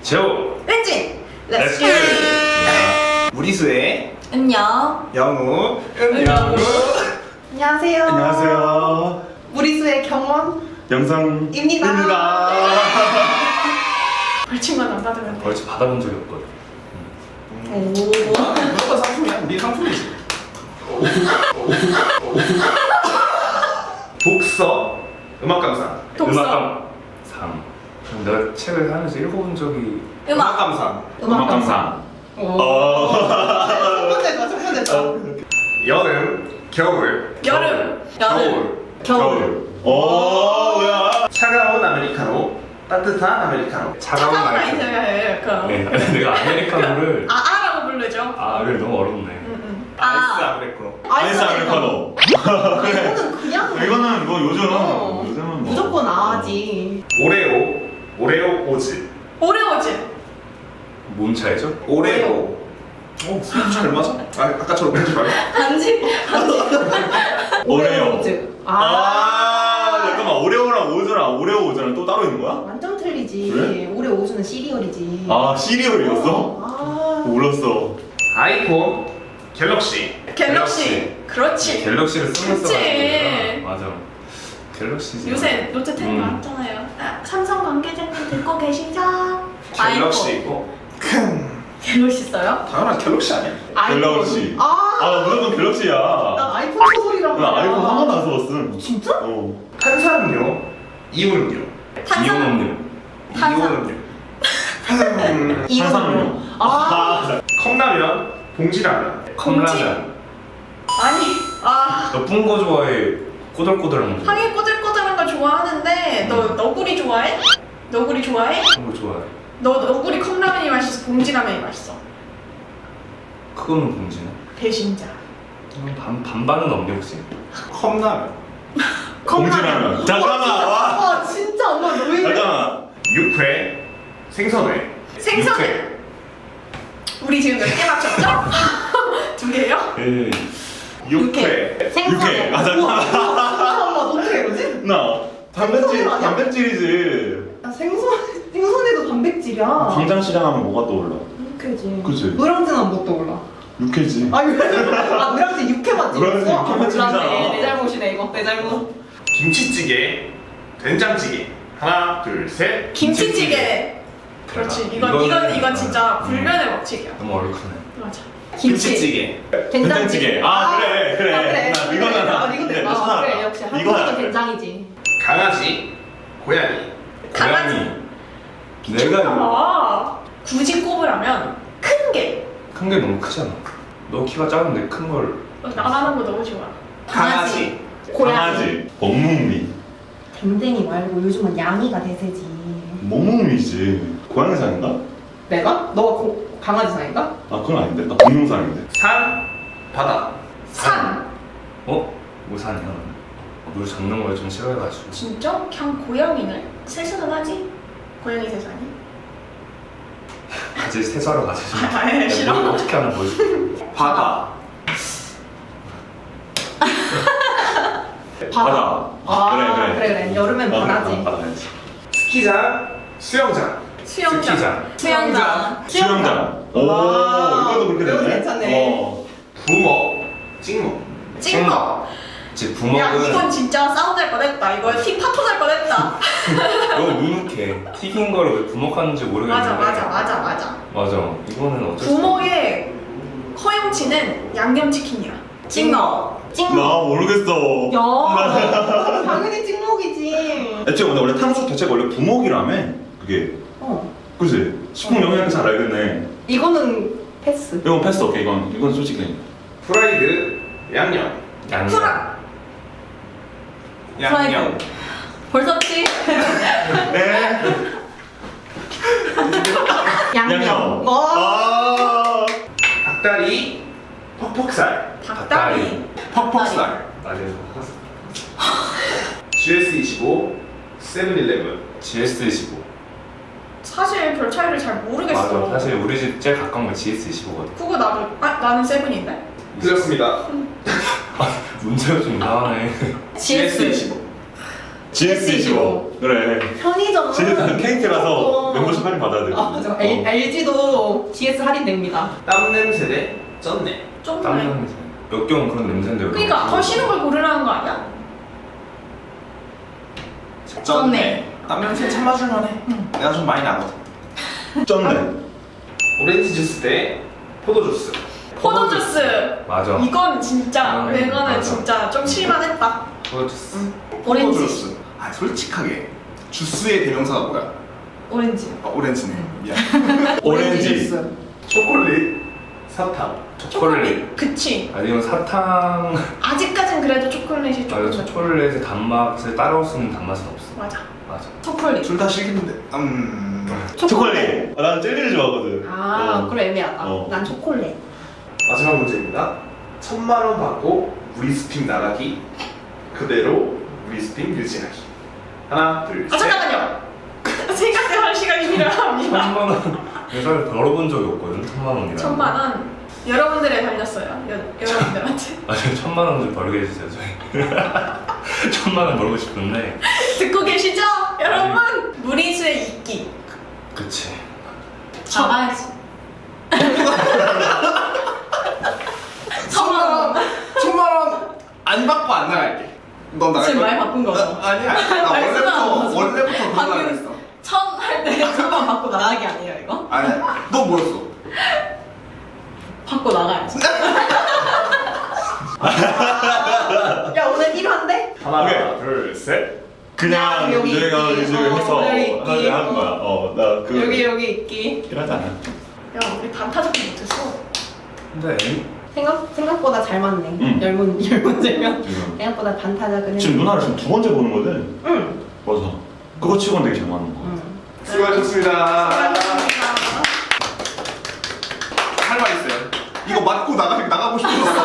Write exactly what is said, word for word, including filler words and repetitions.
제오 렌진! 렛츠 렛츠 기! 무리수의 안녕. 영우 은영우. 안녕하세요. 안녕하세요. 무리수의 경원 영상입니다. 입니다. 벌칙만 안 받으면 돼. 벌칙 받아본 적이 없거든. 오. 무조건 상품이야. 네 상품이지. 독서 음악 감상. 독서. 음악 감상. 내가 책을 하면서 읽어본 적이 음악. 감상. 음악 감상. 오. 어. 첫 번째죠, 첫 번째죠. 여름, 겨울, 여름. 여름. 겨울, 겨울. 오, 뭐야? 차가운 아메리카노, 따뜻한 아메리카노. 차가운 차가운 아메리카노. 아이스가 그럼. 네, 내가 아메리카노를 아, 아라고 부르죠. 아, 그래 너무 어렵네. 응, 응. 아이스 아. 아메리카노. 아이스 아메리카노. 이거는 그냥 이거는 뭐 요즘 어, 요즘은 뭐 무조건 아지. 오레오, 오레오 오즈. 오레오즈. 뭔 차이죠? 오레오. 어, 잘 맞아? 아, 아까처럼 그러지 말고. 단지 단지. 오레오. 오레오즈. 아, 아. 잠깐만 오레오랑 오즈랑 오레오 오즈랑 또 따로 있는 거야? 완전 틀리지. 그래? 오레오즈는 시리얼이지. 아 시리얼이었어? 아. 몰랐어. 아이폰, 갤럭시. 갤럭시. 그렇지. 갤럭시를 쓰면서 그치. 맞아. 갤럭시지. 요새 노트 텐 음. 나왔잖아요. 아, 삼성 관계자님 듣고 계시죠? 갤럭시 아이폰. 있고. 큰. 갤럭시 써요? 당연한 갤럭시 아니야? 아이폰. 갤럭시. 아. 아 무조건 갤럭시야. 난 아이폰 소설이라고. 나 아이폰 한 번도 안 써봤음. 진짜? 어. 탄산음료, 이온음료. 탄산- 이온음료. 탄산- 이온음료. 음, 탄산음료. 아. 컵라면, 봉지라면. 봉지? 아니. 아. 너뿐 거 좋아해? 꼬들꼬들한 거 좋아해? 하긴 꼬들꼬들한 거 좋아하는데 너 너구리 좋아해? 너구리 좋아해? 그런 거 좋아해. 너 너구리 컵라면이 맛있어? 봉지라면이 맛있어? 그거는 봉지네. 배신자. 그럼 반, 반반은 없니 혹시? 컵라면. 봉지라면. 잠깐만. 와. 와 진짜 엄마 왜 이래? 잠깐만. 육회, 생선회. 생선회. 육회. 우리 지금 몇 개 맞췄죠? 두 개요? 예. 육회. 육회. 아 잠깐만. 엄마 어떻게 이러지? 나 단백질 생선은 아니야? 단백질이지. 아, 생선 생선에도 단백질이야. 광장시장 하면 뭐가 떠올라? 육회지. 그치. 노량진은 못 떠올라. 육회지. 아, 아 노량진 육회 맛집이었어? 노량진 육회 아, 맛집이잖아. 몰랐네. 내 잘못이네 이거. 내 잘못. 김치찌개, 된장찌개. 하나, 둘, 셋. 김치찌개. 그렇지. 이건 이건 이건 진짜 불변의 법칙이야. 너무 어렵네. 맞아. 김치찌개. 된장찌개. 아 그래 그래. 아, 그래. 나 이거는 아, 이건 돼. 아, 그래 역시 한국은 된장이지. 강아지, 고양이. 강아지. 내가 아, 굳이 꼽으라면 큰 게. 큰 게 너무 크잖아. 너 키가 작은데 큰 걸. 어, 나가는 거 너무 좋아. 강아지. 강아지. 먹묵미. 댕댕이 말고 요즘은 양이가 대세지. 먹묵미지. 고양이상인가? 내가? 너가 고, 강아지 상인가? 아 그건 아닌데. 나 공룡상인데. 산, 바다. 산. 어? 뭐 산이야? 물 잡는 걸 좀 싫어해가지고. 진짜? 그냥 고양이네. 세수는 하지? 고양이 세수 아니? 같이 세수하러 가자. 아, 아예 싫어. 뭘 어떻게 하나 보여줄게. 바다. 바다. 아, 그래, 그래. 그래 그래. 여름엔 아, 바다지. 바다야지. 스키장, 수영장. 수영장. 스키장. 수영장. 수영장. 오 와, 이것도 그렇게 이거 되네. 괜찮네. 어. 부먹, 찍먹. 찍먹. 제 야 부먹은 이건 진짜 싸움 날 뻔했다. 이거 팀 파토 날 뻔했다. 너무 눅눅해. 튀긴 거를 왜 부먹하는지 모르겠는데. 맞아 맞아 맞아 맞아. 맞아. 이거는 어쩔 수 없어. 부먹의 허용치는 양념치킨이야. 찍먹. 나 모르겠어. 야, 당연히 찍먹이지. 애초에 근데 원래 탕수육 자체가 원래 부먹이라며. 그게. 어. 그치? 식품 영양이 잘 알겠네. 이거는 패스. 이건 패스 오케이. 이건 이건 솔직히. 프라이드, 양념. 양념. 프라. 양념. 벌써 치. 네. 양념. 어. 아. 닭다리, 퍽퍽살. 닭다리. 퍽퍽살. 맞아요. 지에스 이십오, 세븐일레븐. 지에스 이십오. 사실 별 차이를 잘 모르겠어. 맞아. 사실 우리 집 제일 가까운 건 지에스 이십오거든. 그거 나도 아 나는 세븐인데. 틀렸습니다. 문제가 좀 이상하네. 지에스. 이십오. 지에스 이십오. 그래. 편의점. 지에스 케이티 가서 어. 멤버십 할인 받아야 돼. 아, 저 엘지도 지에스 할인됩니다. 땀 냄새 대 쩐내. 좀 땀 그래. 냄새. 몇 경은 그런 냄새인데. 그러니까 더 싫은 걸 고르라는 거 아니야? 쩐네. 땀 냄새 참아줄만해. 내가 좀 많이 나거든. 쩐네. 오렌지 주스 대 포도 주스. 포도주스. 맞아. 이건 진짜 음, 이거는 맞아. 진짜 좀 칠만했다. 포도 주스. 오렌지. 포도주스. 아 솔직하게 주스의 대명사가 뭐야? 오렌지. 아, 오렌지네. 미안. 오렌지. 초콜릿, 사탕. 초콜릿. 그치. 아니면 사탕. 아직까진 그래도 초콜릿이 맞아. 조금. 초콜릿의 단맛을 따라올 수 있는 단맛은 없어. 맞아. 맞아. 초콜릿. 둘 다 싫긴데. 음. 초콜릿. 아, 나는 젤리를 좋아하거든. 아, 어. 그럼 애매하다. 어. 난 초콜릿. 마지막 문제입니다. 천만 원 받고 무리스핑 나가기. 그대로 무리스핑 유지하기. 하나, 둘, 아 셋. 잠깐만요. 생각할 시간이 필요합니다. 천만 원. 회사를 벌어본 적이 없거든. 천만 원이라. 천만 원 여러분들에 달렸어요. 여, 여러분들한테. 아니 천만 원 좀 벌게 해주세요 저희. 천만 원 벌고 싶은데. 듣고 계시죠, 여러분? 무리수의 이끼. 그치. 나가야지. 천만 원. 천만 원 안 받고 안 나갈게. 너 나갈 지금 거야? 말 바꾼 거죠? 아, 아니야. 나 말씀 안 원래부터 하죠. 원래부터 그런 거 방금 했어. 천 할 때 천만 받고 나가기 아니에요 이거? 아니야. 너 뭐였어? 받고 나가야지. 야 오늘 일 화인데? 하나, 오케이. 둘, 셋. 그냥 그냥 여기 내가 있기. 이제 어, 해서 여기 있기. 하는 거야. 어, 나 그. 여기 여기 있기. 일하지 않아. 야, 우리 반타작도 못했어. 근데 생각 생각보다 잘 맞네. 응. 열 문, 열 문제면 지금. 생각보다 반타작은. 지금 누나를 지금 두 번째 보는 거지? 응. 맞아. 그거 치고는 되게 잘 맞는 거. 응. 수고하셨습니다. 감사합니다. 할 말 있어요. 이거 맞고 나가 나가고 싶어서.